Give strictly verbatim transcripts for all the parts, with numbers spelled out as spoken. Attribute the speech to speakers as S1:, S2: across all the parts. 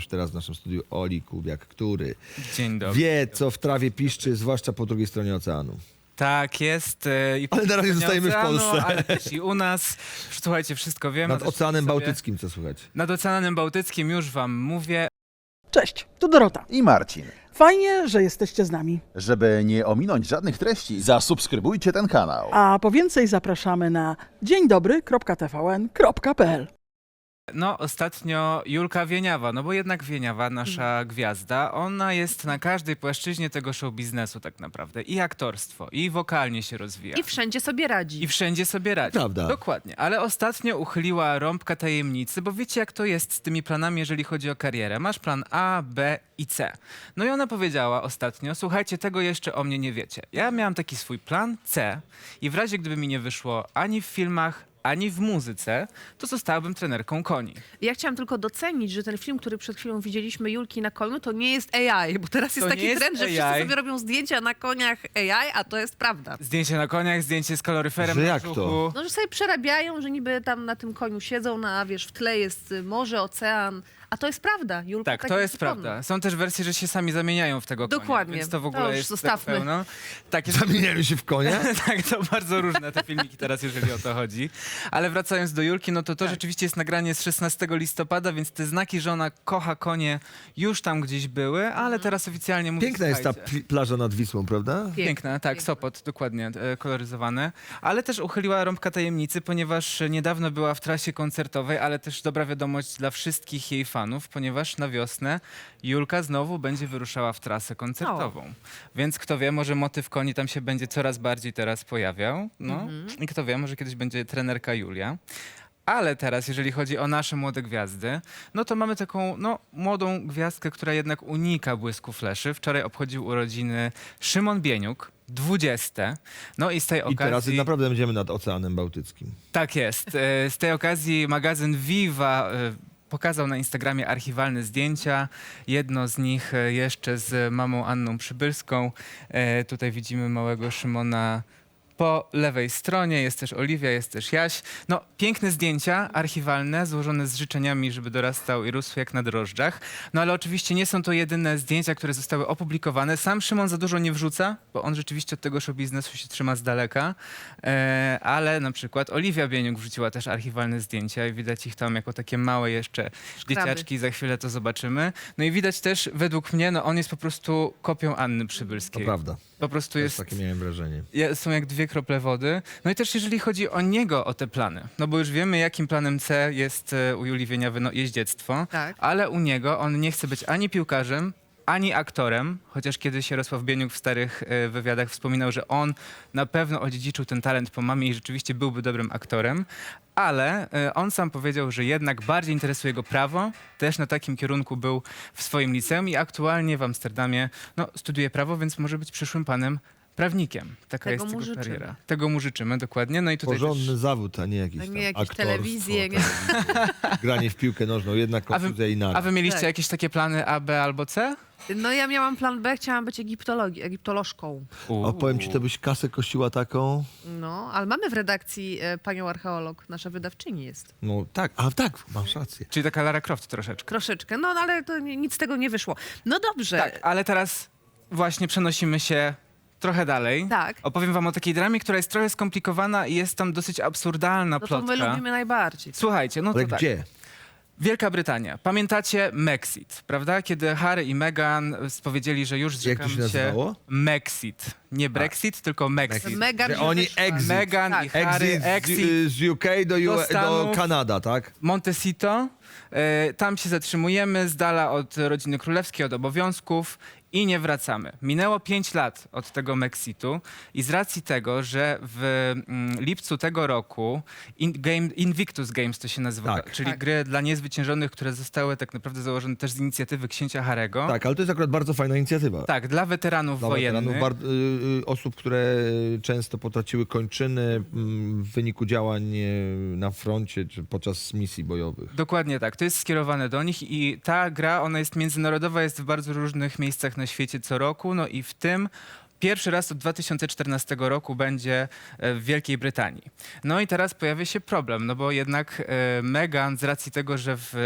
S1: już teraz w naszym studiu Oli Kubiak, który
S2: Dzień dobry.
S1: wie, co w trawie piszczy, zwłaszcza po drugiej stronie oceanu.
S2: Tak jest. e, I
S1: Ale na razie
S2: po
S1: zostajemy w
S2: oceanu,
S1: Polsce.
S2: Ale też i u nas. Słuchajcie, wszystko wiemy.
S1: Nad
S2: też
S1: Oceanem
S2: sobie-
S1: Bałtyckim, co słychać?
S2: Nad Oceanem Bałtyckim już wam mówię.
S3: Cześć, tu Dorota.
S4: I Marcin.
S3: Fajnie, że jesteście z nami.
S4: Żeby nie ominąć żadnych treści, zasubskrybujcie ten kanał.
S3: A po więcej zapraszamy na dzień dobry kropka t v n kropka p l.
S2: No, ostatnio Julka Wieniawa, no bo jednak Wieniawa, nasza
S1: Mhm.
S2: gwiazda, ona jest na każdej płaszczyźnie tego show biznesu tak naprawdę. I aktorstwo, i wokalnie się rozwija.
S5: I wszędzie sobie radzi.
S2: I wszędzie sobie radzi.
S1: Prawda.
S2: Dokładnie. Ale ostatnio uchyliła rąbka tajemnicy, bo wiecie, jak to jest z tymi planami, jeżeli chodzi o karierę. Masz plan A, B i C. No i ona powiedziała ostatnio, słuchajcie, tego jeszcze o mnie nie wiecie. Ja miałam taki swój plan C i w razie, gdyby mi nie wyszło ani w filmach, ani w muzyce, to zostałabym trenerką koni.
S5: Ja chciałam tylko docenić, że ten film, który przed chwilą widzieliśmy Julki na koniu, to nie jest A I, bo teraz jest
S2: To
S5: taki
S2: nie jest
S5: trend, że
S2: A I.
S5: wszyscy sobie robią zdjęcia na koniach A I, a to jest prawda.
S2: Zdjęcie na koniach, zdjęcie z kaloryferem
S1: Że
S2: na
S1: jak to?
S2: brzuchu.
S5: No, że sobie przerabiają, że niby tam na tym koniu siedzą, no, a wiesz, w tle jest y, morze, ocean, a to jest prawda. Julka
S2: Tak,
S5: tak
S2: to
S5: jest
S2: jest
S5: przekonana.
S2: prawda. Są też wersje, że się sami zamieniają w tego konia.
S5: Dokładnie.
S2: Więc to w
S5: To
S2: ogóle
S5: już
S2: jest
S5: zostawmy.
S2: tego pełno. Tak, jest,
S1: Zamieniają się w konia?
S2: tak, to bardzo różne te filmiki teraz, jeżeli o to chodzi. Ale wracając do Julki, no to to
S5: Tak.
S2: rzeczywiście jest nagranie z szesnastego listopada, więc te znaki, że ona kocha konie, już tam gdzieś były, ale
S5: Mhm.
S2: teraz oficjalnie mówi,
S1: Piękna jest ta
S2: słuchajcie,
S1: pl- plaża nad Wisłą, prawda?
S2: Piękna, tak,
S5: Piękna.
S2: Sopot, dokładnie, e, koloryzowane. Ale też uchyliła rąbka tajemnicy, ponieważ niedawno była w trasie koncertowej, ale też dobra wiadomość dla wszystkich jej fanów, ponieważ na wiosnę Julka znowu będzie wyruszała w trasę koncertową. Więc kto wie, może motyw koni tam się będzie coraz bardziej teraz pojawiał. No. I kto wie, może kiedyś będzie trenerka Julia. Ale teraz, jeżeli chodzi o nasze młode gwiazdy, no to mamy taką no, młodą gwiazdkę, która jednak unika błysku fleszy. Wczoraj obchodził urodziny Szymon Bieniuk, dwudzieste. No i z tej
S1: I teraz
S2: okazji...
S1: naprawdę będziemy nad Oceanem Bałtyckim.
S2: Tak jest. E, Z tej okazji magazyn Viva e, pokazał na Instagramie archiwalne zdjęcia. Jedno z nich e, jeszcze z mamą Anną Przybylską. E, Tutaj widzimy małego Szymona po lewej stronie. Jest też Oliwia, jest też Jaś. No, piękne zdjęcia archiwalne, złożone z życzeniami, żeby dorastał i rósł jak na drożdżach. No ale oczywiście nie są to jedyne zdjęcia, które zostały opublikowane. Sam Szymon za dużo nie wrzuca, bo on rzeczywiście od tego show biznesu się trzyma z daleka. E, ale na przykład Oliwia Bieniuk wrzuciła też archiwalne zdjęcia i widać ich tam jako takie małe jeszcze
S5: Szkraby.
S2: dzieciaczki. Za chwilę to zobaczymy. No i widać też, według mnie, no on jest po prostu kopią Anny
S1: To
S2: Przybylskiej.
S1: prawda.
S2: Po prostu
S1: Też
S2: jest...
S1: takie miałem wrażenie.
S2: Ja- Są jak dwie krople wody. No i też jeżeli chodzi o niego, o te plany, no bo już wiemy, jakim planem C jest e, u Julii Wieniawy no, jeździectwo,
S5: Tak.
S2: ale u niego on nie chce być ani piłkarzem, ani aktorem, chociaż kiedyś Jarosław Bieniuk w starych e, wywiadach wspominał, że on na pewno odziedziczył ten talent po mamie i rzeczywiście byłby dobrym aktorem, ale e, on sam powiedział, że jednak bardziej interesuje go prawo, też na takim kierunku był w swoim liceum i aktualnie w Amsterdamie no, studiuje prawo, więc może być przyszłym panem prawnikiem. Taka
S5: Tego
S2: jest
S5: mu
S2: jego
S5: życzymy.
S2: kariera. Tego mu życzymy, dokładnie. No i tutaj
S1: Porządny
S2: też...
S1: zawód, a nie jakiś
S5: A
S1: tam
S5: nie jakieś
S1: aktorstwo,
S5: telewizje, nie-
S1: tak. Granie w piłkę nożną, jednak
S2: A wy-
S1: kontuzja i
S2: A
S1: nara.
S2: wy mieliście
S5: Tak.
S2: jakieś takie plany A, B albo C?
S5: No ja miałam plan B, chciałam być egiptologi- egiptolożką.
S1: O, powiem ci, to byś kasę kościła taką.
S5: No, ale mamy w redakcji e, panią archeolog, nasza wydawczyni jest.
S1: No tak, a tak, masz rację.
S2: Czyli taka Lara Croft troszeczkę.
S5: Troszeczkę, no ale to ni- nic z tego nie wyszło. No dobrze.
S2: Tak, ale teraz właśnie przenosimy się trochę dalej.
S5: Tak.
S2: Opowiem wam o takiej dramie, która jest trochę skomplikowana i jest tam dosyć absurdalna
S5: No to my
S2: plotka.
S5: lubimy najbardziej.
S2: Słuchajcie, no
S1: Ale
S2: to tak.
S1: gdzie?
S2: Wielka Brytania. Pamiętacie Mexit, prawda? Kiedy Harry i Meghan spowiedzieli, że już
S1: Jak
S2: zrzekam
S1: to się nazywało?
S2: Mexit. Nie Brexit, tylko Mexit.
S5: Meghan
S1: Że
S5: się
S1: oni
S5: wyszła.
S1: exit.
S2: Meghan
S5: Tak.
S2: i Harry,
S1: Exit,
S2: exit
S1: z, z U K do, U,
S2: do
S1: do
S2: Stanów.
S1: Kanada, tak?
S2: Montecito. E, tam się zatrzymujemy, z dala od rodziny królewskiej, od obowiązków i nie wracamy. Minęło pięć lat od tego Mexitu i z racji tego, że w mm, lipcu tego roku in, game, Invictus Games to się nazywa,
S1: Tak.
S2: czyli
S5: Tak.
S2: gry dla niezwyciężonych, które zostały tak naprawdę założone też z inicjatywy księcia Harego.
S1: Tak, ale to jest akurat bardzo fajna inicjatywa.
S2: Tak, dla weteranów
S1: Dla
S2: wojennych.
S1: weteranów, bar- y, y, osób, które często potraciły kończyny mm, w wyniku działań y, na froncie czy podczas misji bojowych.
S2: Dokładnie tak, to jest skierowane do nich i ta gra, ona jest międzynarodowa, jest w bardzo różnych miejscach na świecie co roku, no i w tym pierwszy raz od dwa tysiące czternastego roku będzie e, w Wielkiej Brytanii. No i teraz pojawia się problem, no bo jednak e, Meghan z racji tego, że w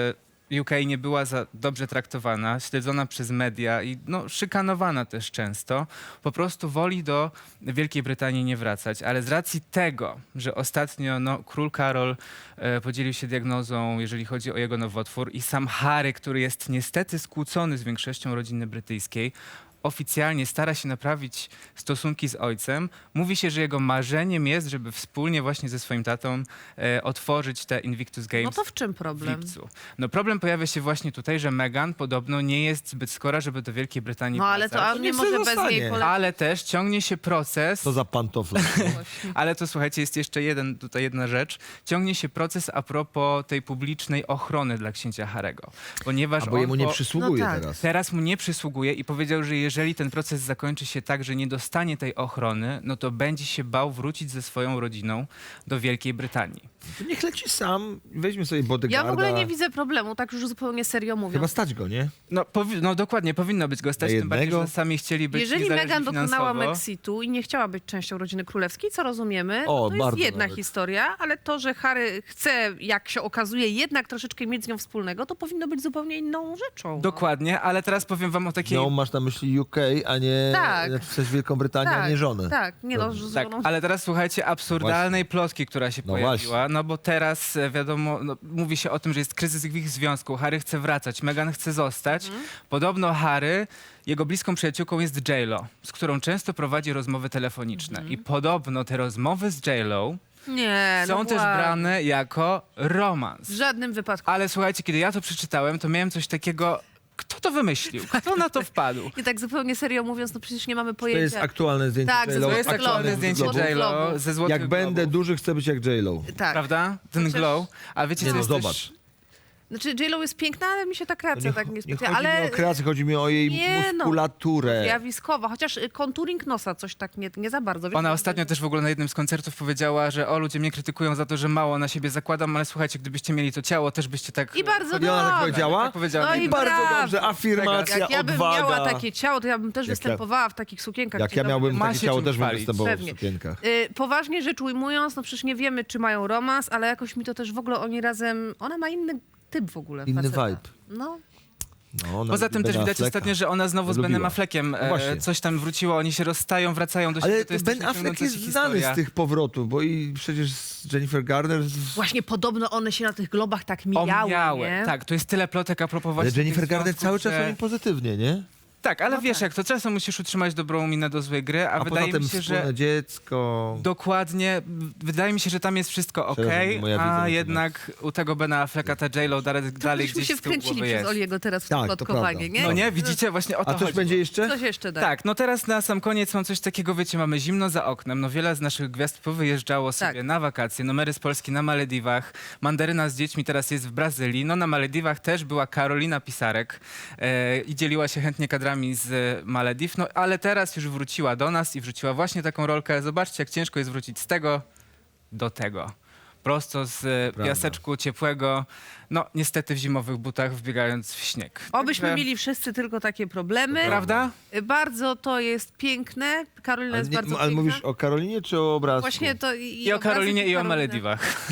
S2: U K nie była za dobrze traktowana, śledzona przez media i no, szykanowana też często, po prostu woli do Wielkiej Brytanii nie wracać. Ale z racji tego, że ostatnio no, król Karol e, podzielił się diagnozą, jeżeli chodzi o jego nowotwór i sam Harry, który jest niestety skłócony z większością rodziny brytyjskiej, oficjalnie stara się naprawić stosunki z ojcem. Mówi się, że jego marzeniem jest, żeby wspólnie właśnie ze swoim tatą e, otworzyć te Invictus Games
S5: No to w czym
S2: w
S5: problem?
S2: lipcu. No problem pojawia się właśnie tutaj, że Meghan podobno nie jest zbyt skora, żeby do Wielkiej Brytanii
S5: No ale to
S2: wracać.
S5: a nie
S1: niech
S5: może
S1: sobie
S5: bez
S1: zostanie.
S5: niej polecieć.
S2: Ale też ciągnie się proces,
S1: To za pantofle.
S2: ale to słuchajcie, jest jeszcze jeden, tutaj jedna rzecz. Ciągnie się proces a propos tej publicznej ochrony dla księcia Harego. Ponieważ
S1: A bo
S2: on
S1: jemu nie
S2: po-
S1: przysługuje
S5: No tak.
S1: teraz.
S2: Teraz mu nie przysługuje i powiedział, że jeżeli ten proces zakończy się tak, że nie dostanie tej ochrony, no to będzie się bał wrócić ze swoją rodziną do Wielkiej Brytanii.
S1: To niech leci sam, weźmy sobie
S5: Ja
S1: bodyguarda.
S5: w ogóle nie widzę problemu, tak już zupełnie serio mówiąc.
S1: Chyba stać go, nie?
S2: No, powi- no dokładnie, powinno być go stać,
S1: Na
S2: tym bardziej,
S1: jednego?
S2: że sami chcieli być
S5: Jeżeli
S2: niezależni
S5: Meghan dokonała
S2: finansowo.
S5: Mexitu i nie chciała być częścią rodziny królewskiej, co rozumiemy,
S1: O,
S5: to jest
S1: bardzo
S5: jedna
S1: nawet.
S5: historia, ale to, że Harry chce, jak się okazuje, jednak troszeczkę mieć z nią wspólnego, to powinno być zupełnie inną rzeczą.
S2: Dokładnie, ale teraz powiem wam o takiej...
S1: No, masz na myśli U K, a nie
S5: Tak.
S1: znaczy w sensie Wielką Brytanię, a nie żonę.
S5: Tak, nie no,
S1: Dobrze.
S5: z
S2: Tak,
S5: żoną.
S2: ale teraz słuchajcie absurdalnej plotki, która się
S1: No
S2: pojawiła, no bo teraz e, wiadomo, no, mówi się o tym, że jest kryzys w ich związku, Harry chce wracać, Meghan chce zostać.
S5: Mhm.
S2: Podobno Harry, jego bliską przyjaciółką jest J-Lo, z którą często prowadzi rozmowy telefoniczne
S5: Mhm.
S2: i podobno te rozmowy z J-Lo
S5: Nie,
S2: są
S5: no
S2: też
S5: ładnie.
S2: brane jako romans.
S5: W żadnym wypadku.
S2: Ale słuchajcie, kiedy ja to przeczytałem, to miałem coś takiego, kto to wymyślił, kto na to wpadł?
S5: I tak zupełnie serio mówiąc, no przecież nie mamy
S1: To
S5: pojęcia.
S1: jest aktualne zdjęcie
S5: Tak,
S1: J-Lo.
S5: ze
S2: To jest
S5: Złotych
S2: aktualne
S5: Globów.
S2: zdjęcie
S5: Złotych
S2: J-Lo
S5: Globów.
S2: ze Złotych
S1: Jak będę
S2: Globów.
S1: duży, chcę być jak J-Lo.
S5: Tak.
S2: Prawda? Ten
S5: Chociaż-
S2: glow. A wiecie,
S1: Nie
S2: co
S1: no,
S2: jest
S1: zobacz.
S2: też...
S5: Znaczy J-Lo jest piękna, ale mi się ta
S1: To
S5: kreacja
S1: nie,
S5: tak
S1: nie
S5: nie
S1: chodzi
S5: specjalnie.
S1: mi
S5: Ale
S1: o kreację, chodzi mi o jej
S5: Nie no.
S1: muskulaturę.
S5: zjawiskowa, chociaż y, konturing nosa coś tak nie, nie za bardzo. Wiesz,
S2: Ona
S5: to-
S2: ostatnio też w ogóle na jednym z koncertów powiedziała, że o, ludzie mnie krytykują za to, że mało na siebie zakładam, ale słuchajcie, gdybyście mieli to ciało, też byście tak...
S5: I bardzo
S1: I ona tak
S5: dobrze.
S1: powiedziała?
S2: Tak powiedziała
S5: No
S2: na
S5: i
S2: jednym-
S1: Bardzo
S5: brawo.
S1: dobrze, afirmacja,
S5: Jak ja bym
S1: odwaga.
S5: miała takie ciało, to ja bym też
S1: Jak ja-
S5: występowała w takich sukienkach.
S1: Jak
S5: Dzień
S1: ja
S5: dobry.
S1: miałbym
S2: Ma
S1: takie
S2: się
S1: ciało,
S2: czym
S1: też bym
S2: chwalić.
S1: występował
S5: Pewnie.
S1: w sukienkach.
S5: Y, poważnie rzecz ujmując, no przecież nie wiemy, czy mają romans, ale jakoś mi to też w ogóle oni razem... Ona ma inny typ w ogóle.
S1: Inny
S5: faceta.
S1: vibe.
S5: No.
S1: No, ona
S2: Poza
S1: lubi
S2: tym też
S1: Bena
S2: widać
S1: Afflecka.
S2: ostatnio, że ona znowu z
S1: Lubiła.
S2: Benem Affleckiem
S1: No
S2: e,
S1: właśnie.
S2: coś tam wróciło, oni się rozstają, wracają do siebie.
S1: Ale
S2: to jest
S1: Ben
S2: też
S1: Affleck
S2: ciągnąca
S1: jest
S2: się
S1: znany
S2: historia.
S1: z tych powrotów, bo i przecież z Jennifer Garner...
S5: Właśnie podobno one się na tych globach tak mijały,
S2: Omijały.
S5: nie?
S2: Tak, to jest tyle plotek a propos
S1: Ale
S2: właśnie
S1: Jennifer
S2: tych
S1: Garner
S2: związków,
S1: cały czas
S2: że...
S1: o nim pozytywnie, nie?
S2: Tak, ale
S5: No
S2: wiesz
S5: tak.
S2: jak to, czasem musisz utrzymać dobrą minę do złej gry, a,
S1: A
S2: wydaje
S1: poza tym
S2: mi się,
S1: wspólne
S2: że
S1: dziecko...
S2: dokładnie, wydaje mi się, że tam jest wszystko ok,
S1: Przepraszam, moja wiedza na
S2: a
S1: temat.
S2: jednak u tego Bena Afflecka ta J-Lo dalej, dalej
S5: Myśmy
S2: gdzieś
S5: się
S2: z tyłu
S5: wkręcili
S2: głowy
S5: przez
S2: jest.
S5: Oliego teraz w
S1: Tak,
S5: to
S1: to
S5: plotkowanie,
S1: prawda.
S5: nie?
S2: No nie, widzicie, właśnie o to
S1: A coś
S2: chodzi.
S1: będzie jeszcze?
S5: Coś jeszcze da.
S2: Tak, no teraz na sam koniec mam coś takiego, wiecie, mamy zimno za oknem, no wiele z naszych gwiazd powyjeżdżało sobie
S5: Tak.
S2: na wakacje, numery z Polski na Malediwach, Mandaryna z dziećmi teraz jest w Brazylii, no na Malediwach też była Karolina Pisarek e, i dzieliła się chętnie kadrami z Malediw, no ale teraz już wróciła do nas i wrzuciła właśnie taką rolkę, zobaczcie jak ciężko jest wrócić z tego do tego. Prosto z e,
S1: Prawda.
S2: piaseczku ciepłego, no niestety w zimowych butach wbiegając w śnieg.
S5: Obyśmy
S2: Także-
S5: mieli wszyscy tylko takie problemy.
S2: Prawda?
S5: Y, Bardzo to jest piękne. Karolina
S1: Ale,
S5: jest
S1: nie,
S5: bardzo
S1: ale
S5: piękna.
S1: mówisz o Karolinie czy o obrazku?
S5: Właśnie to i,
S2: I o
S5: obrazek,
S2: Karolinie i o
S5: Karolina.
S2: Malediwach.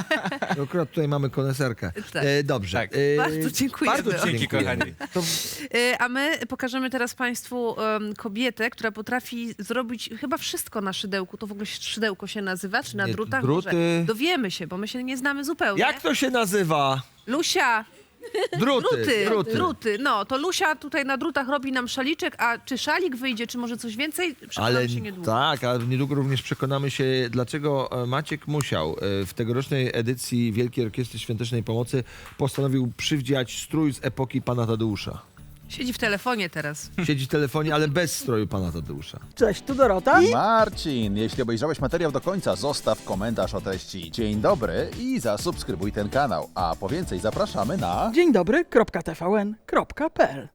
S1: Akurat tutaj mamy koneserkę.
S5: Tak.
S1: E, dobrze.
S2: Tak.
S1: E,
S5: Bardzo dziękujemy.
S1: Bardzo
S2: Dzięki,
S1: dziękujemy.
S2: kochani.
S1: To
S5: Y, A my pokażemy teraz Państwu em, kobietę, która potrafi zrobić chyba wszystko na szydełku. To w ogóle szydełko się nazywa, czy na
S1: Nie,
S5: drutach?
S1: druty.
S5: Może. Dowiemy się, bo my się nie znamy zupełnie.
S1: jak to się nazywa?
S5: Lusia,
S1: Druty.
S5: druty,
S1: druty.
S5: druty. No, to Lusia tutaj na drutach robi nam szaliczek, a czy szalik wyjdzie, czy może coś więcej? Przekonamy
S1: Ale
S5: się niedługo.
S1: tak, ale niedługo również przekonamy się, dlaczego e, Maciek Musiał e, w tegorocznej edycji Wielkiej Orkiestry Świątecznej Pomocy postanowił przywdziać strój z epoki pana Tadeusza.
S5: Siedzi w telefonie teraz.
S1: Siedzi w telefonie, ale bez stroju pana Tadeusza.
S3: Cześć, tu Dorota.
S4: Marcin, jeśli obejrzałeś materiał do końca, zostaw komentarz o treści dzień dobry i zasubskrybuj ten kanał. A po więcej zapraszamy na...
S3: Dzień dobry, kropka T V N, kropka P L.